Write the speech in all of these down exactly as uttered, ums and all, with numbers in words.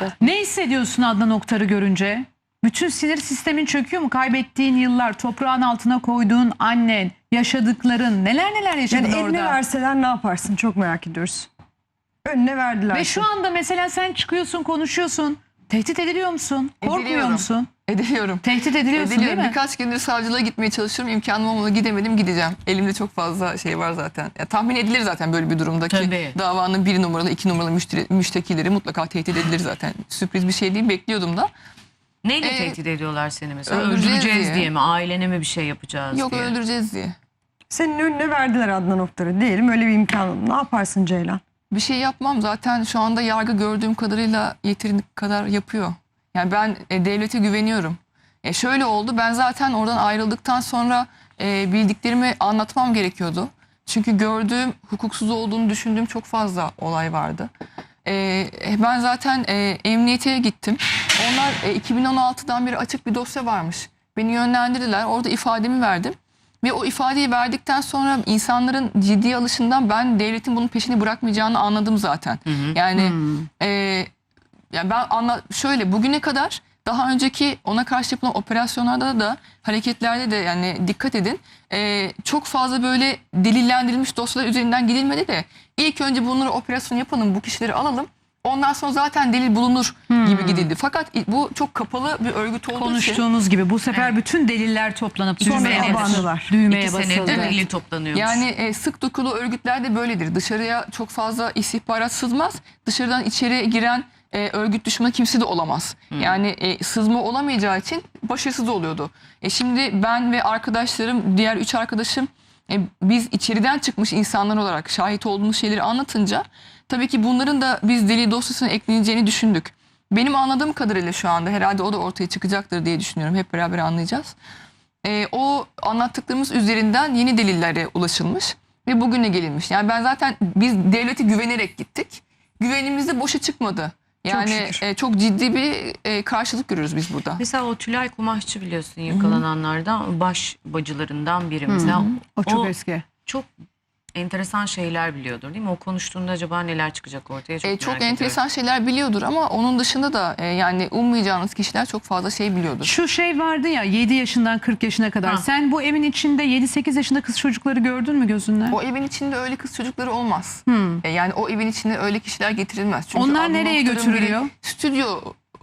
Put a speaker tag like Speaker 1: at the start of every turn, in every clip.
Speaker 1: maalesef.
Speaker 2: Ne hissediyorsun Adnan Oktar'ı görünce? Bütün sinir sistemin çöküyor mu? Kaybettiğin yıllar, toprağın altına koyduğun annen, yaşadıkların, neler neler yaşadın
Speaker 3: Yani
Speaker 2: orada.
Speaker 3: eline verseler ne yaparsın? Çok merak ediyoruz. Önüne verdiler.
Speaker 2: Ve şu anda mesela sen çıkıyorsun, konuşuyorsun. Tehdit ediliyor musun? Korkmuyor
Speaker 4: Ediliyorum.
Speaker 2: musun?
Speaker 4: Ediliyorum.
Speaker 2: Tehdit ediliyorsun
Speaker 4: Ediliyorum.
Speaker 2: değil mi?
Speaker 4: Birkaç gündür savcılığa gitmeye çalışıyorum. İmkanım olmadı, gidemedim, gideceğim. Elimde çok fazla şey var zaten. Ya, tahmin edilir zaten böyle bir durumdaki
Speaker 1: Tabii.
Speaker 4: davanın bir numaralı, iki numaralı müşteri, müştekileri mutlaka tehdit edilir zaten. Sürpriz bir şey değil, bekliyordum da.
Speaker 1: Neyle
Speaker 4: Ee,
Speaker 1: tehdit ediyorlar seni mesela?
Speaker 4: öldüreceğiz
Speaker 1: Öldüreceğiz
Speaker 4: diye.
Speaker 1: diye mi? Ailene mi bir şey yapacağız
Speaker 4: Yok,
Speaker 1: diye?
Speaker 4: öldüreceğiz diye.
Speaker 3: Senin önüne verdiler Adnan Oktar'ı. Diyelim öyle bir imkan. Ne yaparsın Ceylan?
Speaker 4: Bir şey yapmam, zaten şu anda yargı gördüğüm kadarıyla yeterince kadar yapıyor. Yani ben e, devlete güveniyorum. E, şöyle oldu, ben zaten oradan ayrıldıktan sonra e, bildiklerimi anlatmam gerekiyordu. Çünkü gördüğüm, hukuksuz olduğunu düşündüğüm çok fazla olay vardı. E, ben zaten e, emniyete gittim. Onlar e, iki bin on altıdan beri açık bir dosya varmış. Beni yönlendirdiler, orada ifademi verdim. Ve o ifadeyi verdikten sonra insanların ciddi alışından ben devletin bunun peşini bırakmayacağını anladım zaten. Hı hı. Yani
Speaker 2: Hmm.
Speaker 4: e, yani ben anla şöyle, bugüne kadar daha önceki ona karşı yapılan operasyonlarda da hareketlerde de yani dikkat edin, e, çok fazla böyle delillendirilmiş dosyalar üzerinden gidilmedi de ilk önce bunları operasyon yapalım, bu kişileri alalım. Ondan sonra zaten delil bulunur
Speaker 2: Hmm.
Speaker 4: gibi gidildi. Fakat bu çok kapalı bir örgüt olduğu için.
Speaker 2: Konuştuğumuz gibi bu sefer bütün deliller toplanıp
Speaker 3: Sonra
Speaker 2: düğmeye basıldı.
Speaker 3: abandılar.
Speaker 2: Düğmeye
Speaker 1: İki
Speaker 2: basıldı.
Speaker 1: senedir
Speaker 4: Evet.
Speaker 1: delil toplanıyormuş.
Speaker 4: Yani e, sık dokulu örgütler de böyledir. Dışarıya çok fazla istihbarat sızmaz. Dışarıdan içeri giren e, örgüt düşmanı kimse de olamaz. Yani e, sızma olamayacağı için başarısız oluyordu. E, şimdi ben ve arkadaşlarım, diğer üç arkadaşım e, biz içeriden çıkmış insanlar olarak şahit olduğumuz şeyleri anlatınca tabii ki bunların da biz delil dosyasına ekleneceğini düşündük. Benim anladığım kadarıyla şu anda herhalde o da ortaya çıkacaktır diye düşünüyorum. Hep beraber anlayacağız. E, o anlattıklarımız üzerinden yeni delillere ulaşılmış ve bugüne gelinmiş. Yani ben zaten biz devlete güvenerek gittik. Güvenimiz de boşa çıkmadı. Yani
Speaker 3: şükür.
Speaker 4: e, çok ciddi bir e, karşılık görüyoruz biz burada.
Speaker 1: Mesela o Tülay Kumaşçı biliyorsun yakalananlardan baş bacılarından biri. Mesela
Speaker 2: O çok eski.
Speaker 1: çok enteresan şeyler biliyordur değil mi? O konuştuğunda acaba neler çıkacak ortaya çok
Speaker 4: E,
Speaker 1: merak
Speaker 4: çok
Speaker 1: ediyorum.
Speaker 4: enteresan şeyler biliyordur ama onun dışında da e, yani ummayacağınız kişiler çok fazla şey biliyordur.
Speaker 2: Şu şey vardı ya, yedi yaşından kırk yaşına kadar.
Speaker 1: Ha.
Speaker 2: Sen bu evin içinde yedi sekiz yaşında kız çocukları gördün mü gözünle?
Speaker 4: O evin içinde öyle kız çocukları olmaz.
Speaker 2: Hmm.
Speaker 4: E, yani o evin içine öyle kişiler getirilmez. Çünkü
Speaker 2: Onlar
Speaker 4: Adnan
Speaker 2: nereye
Speaker 4: Oktar'ın
Speaker 2: götürülüyor?
Speaker 4: biri Stüdyo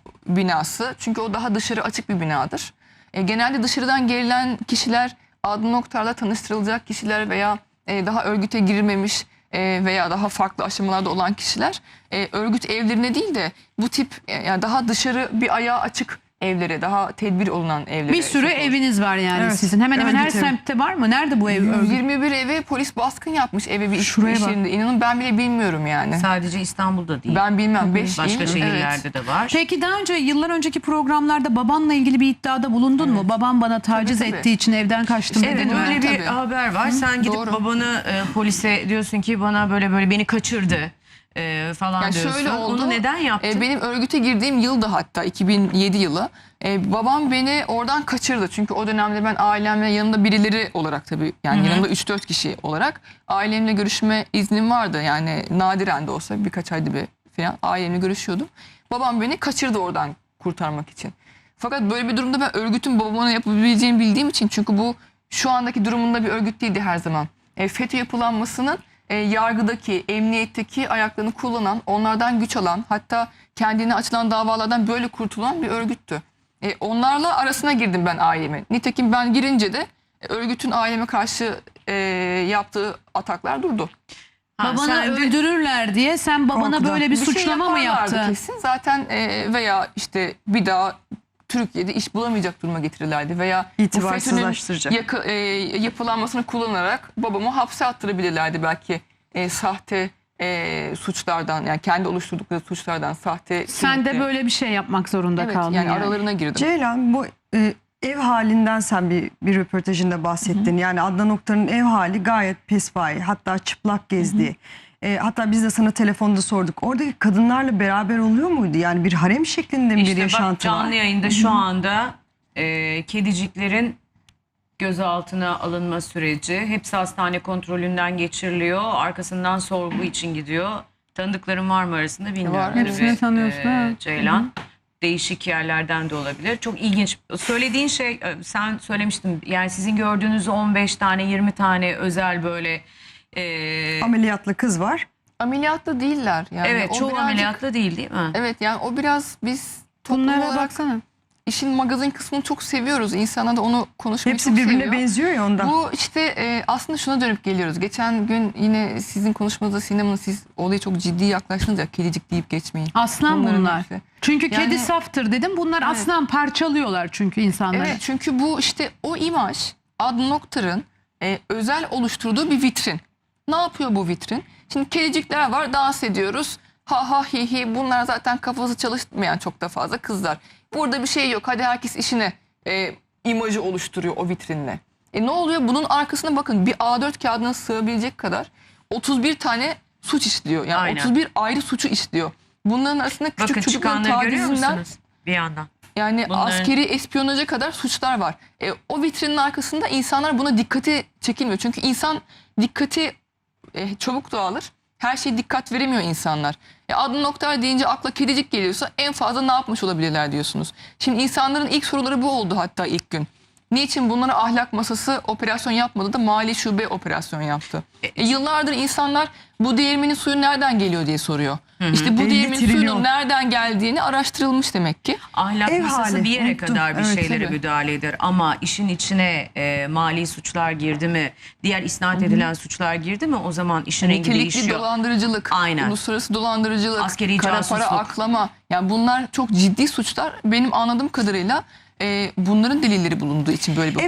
Speaker 4: binası. Çünkü o daha dışarı açık bir binadır. E, genelde dışarıdan gelen kişiler Adnan Oktar'la tanıştırılacak kişiler veya e, daha örgüte girmemiş e, veya daha farklı aşamalarda olan kişiler e, örgüt evlerine değil de bu tip e, yani daha dışarı bir ayağı açık evlere, daha tedbir olunan evlere.
Speaker 2: Bir sürü
Speaker 4: sokulur.
Speaker 2: eviniz var yani
Speaker 3: Evet.
Speaker 2: sizin. Hemen hemen her
Speaker 3: Örgüt evi.
Speaker 2: semtte var mı? Nerede bu ev? Örgüt?
Speaker 4: yirmi bir eve polis baskın yapmış, eve bir iş,
Speaker 2: Şuraya
Speaker 4: iş
Speaker 2: bak.
Speaker 4: yerinde. İnanın ben bile bilmiyorum yani.
Speaker 1: Sadece İstanbul'da değil.
Speaker 4: Ben bilmem. Beş
Speaker 1: Başka
Speaker 4: il,
Speaker 1: şehirlerde
Speaker 4: evet.
Speaker 1: de var.
Speaker 2: Peki daha önce, yıllar önceki programlarda babanla ilgili bir iddiada bulundun mu? Babam bana taciz
Speaker 4: Tabii, tabii.
Speaker 2: ettiği için evden kaçtım
Speaker 1: Evet,
Speaker 2: dedin mi?
Speaker 1: öyle bir
Speaker 4: Tabii.
Speaker 1: haber var. Sen gidip
Speaker 4: Doğru.
Speaker 1: babanı e, polise diyorsun ki bana böyle böyle beni kaçırdı e, falan
Speaker 4: Yani
Speaker 1: diyorsun.
Speaker 4: şöyle oldu.
Speaker 1: Onu neden yaptın?
Speaker 4: E, benim örgüte girdiğim yıldı, hatta iki bin yedi yılı. E, babam beni oradan kaçırdı. Çünkü o dönemde ben ailemle, yanında birileri olarak tabii yani yanımda üç dört kişi olarak ailemle görüşme iznim vardı. Yani nadiren de olsa birkaç ayda bir falan ailemle görüşüyordum. Babam beni kaçırdı oradan kurtarmak için. Fakat böyle bir durumda ben örgütün babama yapabileceğini bildiğim için, çünkü bu şu andaki durumunda bir örgüt değildi her zaman. E, FETÖ yapılanmasının e, yargıdaki, emniyetteki ayaklarını kullanan, onlardan güç alan, hatta kendine açılan davalardan böyle kurtulan bir örgüttü. E, onlarla arasına girdim ben ailemin. Nitekim ben girince de e, örgütün aileme karşı e, yaptığı ataklar durdu.
Speaker 1: Ha,
Speaker 2: Babana
Speaker 1: sen de-
Speaker 2: öldürürler diye sen babana
Speaker 3: Korkudan.
Speaker 2: böyle bir,
Speaker 4: Bir şey
Speaker 2: suçlama mı
Speaker 4: yaparlardı
Speaker 2: yaptın?
Speaker 4: kesin. Zaten e, veya işte bir daha Türkiye'de iş bulamayacak duruma getirirlerdi veya bu
Speaker 3: İtibarsızlaştıracak.
Speaker 4: FETÖ'nün yaka- e, yapılanmasını kullanarak babamı hapse attırabilirlerdi belki, e, sahte e, suçlardan, yani kendi oluşturdukları suçlardan sahte.
Speaker 2: Sen de
Speaker 4: kimlikle-
Speaker 2: böyle bir şey yapmak zorunda
Speaker 4: evet,
Speaker 2: kaldın
Speaker 4: yani,
Speaker 2: yani.
Speaker 4: aralarına girdim.
Speaker 3: Ceylan, bu e, ev halinden sen bir, bir röportajında bahsettin. Yani Adnan Oktar'ın ev hali gayet pespaye, hatta çıplak gezdiği. E, hatta biz de sana telefonda sorduk. Oradaki kadınlarla beraber oluyor muydu? Yani bir harem şeklinde mi
Speaker 1: İşte
Speaker 3: bir
Speaker 1: bak,
Speaker 3: yaşantı
Speaker 1: canlı
Speaker 3: var?
Speaker 1: yayında şu anda e, kediciklerin gözaltına alınma süreci. Hepsi hastane kontrolünden geçiriliyor. Arkasından sorgu için gidiyor. Tanıdıkların var mı arasında bilmiyorum.
Speaker 4: Var,
Speaker 1: Tabii,
Speaker 2: hepsini tanıyorsun,
Speaker 1: e,
Speaker 2: evet.
Speaker 1: Ceylan. Değişik yerlerden de olabilir. Çok ilginç. Söylediğin şey, e, sen söylemiştin. Yani sizin gördüğünüz on beş tane yirmi tane özel böyle e,
Speaker 3: Ameliyatlı kız var.
Speaker 4: Ameliyatta değiller. Yani
Speaker 1: evet
Speaker 4: o
Speaker 1: çoğu
Speaker 4: birazcık-
Speaker 1: ameliyatlı değil değil mi?
Speaker 4: Evet yani o biraz biz toplum
Speaker 2: Bunlara
Speaker 4: olarak
Speaker 2: baksana.
Speaker 4: işin magazin kısmını çok seviyoruz. İnsanlar da onu konuşmayı
Speaker 3: Hepsi
Speaker 4: çok
Speaker 3: birbirine
Speaker 4: seviyor.
Speaker 3: benziyor ya ondan.
Speaker 4: Bu işte e, aslında şuna dönüp geliyoruz. Geçen gün yine sizin konuşmanızda Sinem Hanım, siz olaya çok ciddi yaklaştınız ya, kedicik deyip geçmeyin.
Speaker 2: Aslan
Speaker 4: Bunların
Speaker 2: bunlar.
Speaker 4: hepsi.
Speaker 2: Çünkü
Speaker 4: Yani-
Speaker 2: kedi saftır dedim. Bunlar
Speaker 4: Evet.
Speaker 2: aslan, parçalıyorlar çünkü insanları.
Speaker 4: Evet, çünkü bu işte o imaj Adnan Oktar'ın e, özel oluşturduğu bir vitrin. Ne yapıyor bu vitrin? Şimdi kedicikler var, dans ediyoruz. Ha ha hi hi, bunlar zaten kafası çalışmayan çok da fazla kızlar. Burada bir şey yok, hadi herkes işine e, imajı oluşturuyor o vitrinle. E ne oluyor? Bunun arkasına bakın, bir A dört kağıdına sığabilecek kadar otuz bir tane suç işliyor. Yani
Speaker 1: Aynen.
Speaker 4: otuz bir ayrı suçu işliyor. Bunların arasında küçük
Speaker 1: Bakın
Speaker 4: çocukların
Speaker 1: çıkanları görüyor
Speaker 4: tacizinden
Speaker 1: musunuz? Bir yandan.
Speaker 4: yani
Speaker 1: Bunların-
Speaker 4: askeri espiyonaja kadar suçlar var. E, o vitrinin arkasında insanlar buna dikkati çekilmiyor. Çünkü insan dikkati e, çabuk dağılır. Her şeye dikkat veremiyor insanlar. E, Adnan Oktar deyince akla kedicik geliyorsa en fazla ne yapmış olabilirler diyorsunuz. Şimdi insanların ilk soruları bu oldu hatta ilk gün. Niçin bunlara ahlak masası operasyon yapmadı da mali şube operasyon yaptı? E, yıllardır insanlar bu değirmenin suyu nereden geliyor diye soruyor. İşte bu
Speaker 3: elli
Speaker 4: değirmenin
Speaker 3: trilyon.
Speaker 4: suyunun nereden geldiğini araştırılmış demek ki.
Speaker 1: Ahlak
Speaker 3: Ev
Speaker 1: masası
Speaker 3: hali,
Speaker 1: bir yere
Speaker 3: unuttum.
Speaker 1: kadar bir
Speaker 3: Evet,
Speaker 1: şeylere
Speaker 4: tabii.
Speaker 1: müdahale eder ama işin içine e, mali suçlar girdi mi, diğer isnat edilen suçlar girdi mi, o zaman işin rengi
Speaker 4: Nitelikli
Speaker 1: değişiyor.
Speaker 4: dolandırıcılık,
Speaker 1: Aynen.
Speaker 4: uluslararası dolandırıcılık,
Speaker 1: Askeri
Speaker 4: kara para
Speaker 1: casusluk.
Speaker 4: aklama. Yani bunlar çok ciddi suçlar. Benim anladığım kadarıyla e, bunların delilleri bulunduğu için böyle bir